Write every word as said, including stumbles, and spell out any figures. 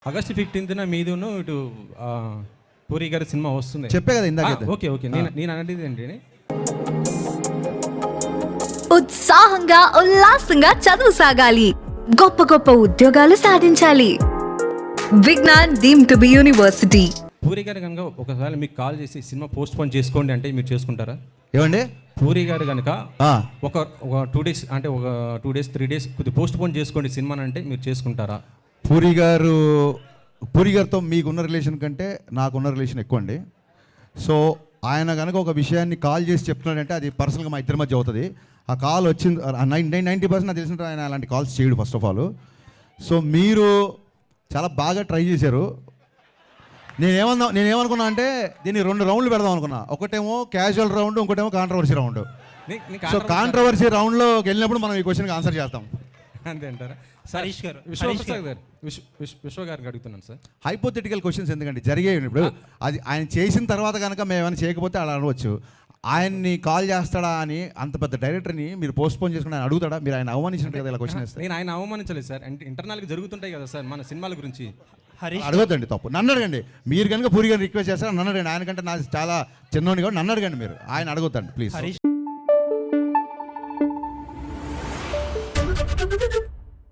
August ఫిఫ్టీన్త్న మీదును ఇటు ఆ, పూరి గారి సినిమా వస్తుంది. చెప్పే కదా ఇందాక. ఆ, ఓకే ఓకే నేను నేను అనేది ఏంటి, ఉత్సాహంగా ఉల్లాసంగా చదువు సాగాలి, గొప్ప గొప్ప ఉద్యోగాలు సాధించాలి. Vignan deemed to be university. Puri గారు కనుక ఒకసారి మీకు కాల్ చేసి సినిమా పోస్ట్ పోన్ చేసుకోండి అంటే మీరు చేసుకుంటారా? ఏమండి పూరి గారు కనుక ఆ, ఒక ఒక టూ డేస్ అంటే ఒక టూ డేస్ త్రీ డేస్ కొద్దిగా పోస్ట్ పోన్ చేసుకోండి సినిమా అంటే మీరు చేసుకుంటారా? పూరి గారు పూరి గారితో మీకున్న రిలేషన్ కంటే నాకున్న రిలేషన్ ఎక్కువ అండి. సో ఆయన కనుక ఒక విషయాన్ని కాల్ చేసి చెప్తున్నాడంటే అది పర్సనల్గా మా ఇద్దరి మధ్య అవుతుంది. ఆ కాల్ వచ్చింది నైన్ నైంటీ పర్సెంట్ నాకు తెలిసిన ఆయన అలాంటి కాల్స్ చేయడు ఫస్ట్ ఆఫ్ ఆల్. సో మీరు చాలా బాగా ట్రై చేశారు. నేనేమన్నా నేనేమనుకున్నా అంటే దీన్ని రెండు రౌండ్లు పెడదాం అనుకున్నా. ఒకటేమో క్యాజువల్ రౌండ్, ఇంకోటేమో కాంట్రవర్సీ రౌండ్. సో కాంట్రవర్సీ రౌండ్లోకి వెళ్ళినప్పుడు మనం ఈ క్వశ్చన్కి ఆన్సర్ చేస్తాం. అంతే అంటారా? హరీష్ గారు, విశ్వప్రసాద్ గారు విశ్వ విశ్వ విశ్వ గారికి అడుగుతున్నాను సార్. హైపోథెటికల్ క్వశ్చన్స్ ఎందుకంటే జరిగేవి ఇప్పుడు అది ఆయన చేసిన తర్వాత కనుక మేము ఏమైనా చేయకపోతే అలా అనవచ్చు. ఆయన్ని కాల్ చేస్తాడా అని అంత పెద్ద డైరెక్టర్ని మీరు పోస్ట్ పోన్ చేసుకుని ఆయన అడుగుతాడా? మీరు ఆయన అవమానించినట్టు కదా ఇలా క్వశ్చన్ వేస్తే. నేను ఆయన అవమానించలేదు సార్. అంటే ఇంటర్నల్గా జరుగుతుంటాయి కదా సార్ మన సినిమాల గురించి. హరీష్ అడగొద్దండి, తప్పు. నన్ను అడగండి. మీరు కనుక పూరి గారిని రిక్వెస్ట్ చేస్తారా నన్ను అడగండి. ఆయన కంటే నాకు చాలా చిన్నోని కూడా నన్ను అడగండి. మీరు ఆయన అడగొద్దండి ప్లీజ్. హరీష్